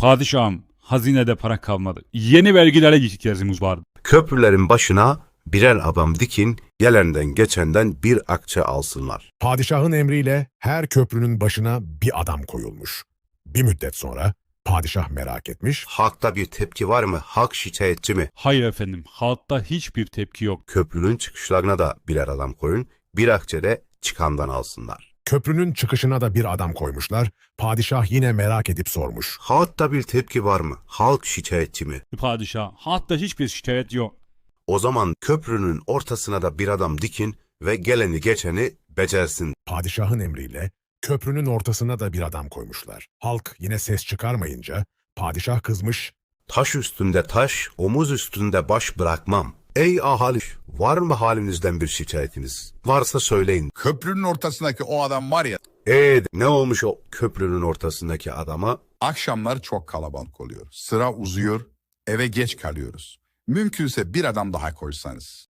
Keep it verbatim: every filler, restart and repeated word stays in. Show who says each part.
Speaker 1: Padişahım, hazinede para kalmadı. Yeni vergilere ihtiyacımız vardı.
Speaker 2: Köprülerin başına birer adam dikin, gelenden geçenden bir akçe alsınlar.
Speaker 3: Padişahın emriyle her köprünün başına bir adam koyulmuş. Bir müddet sonra padişah merak etmiş,
Speaker 2: Halkta bir tepki var mı? Halk şikayetçi mi?
Speaker 1: Hayır efendim, halkta hiçbir tepki yok.
Speaker 2: Köprünün çıkışlarına da birer adam koyun, bir akçe de çıkandan alsınlar.
Speaker 3: köprünün çıkışına da bir adam koymuşlar. Padişah yine merak edip sormuş.
Speaker 2: Halkta bir tepki var mı? Halk şikayetçi mi?
Speaker 1: Padişah, halkta hiçbir şikayet yok.
Speaker 2: O zaman köprünün ortasına da bir adam dikin ve geleni geçeni becersin.
Speaker 3: Padişahın emriyle köprünün ortasına da bir adam koymuşlar. Halk yine ses çıkarmayınca padişah kızmış,
Speaker 2: Taş üstünde taş, omuz üstünde baş bırakmam. Ey ahali, var mı halinizden bir şikayetiniz? Varsa söyleyin.
Speaker 4: Köprünün ortasındaki o adam var ya,
Speaker 2: Ee, ne olmuş o köprünün ortasındaki adama?
Speaker 4: akşamlar çok kalabalık oluyor. Sıra uzuyor, eve geç kalıyoruz. Mümkünse bir adam daha koysanız.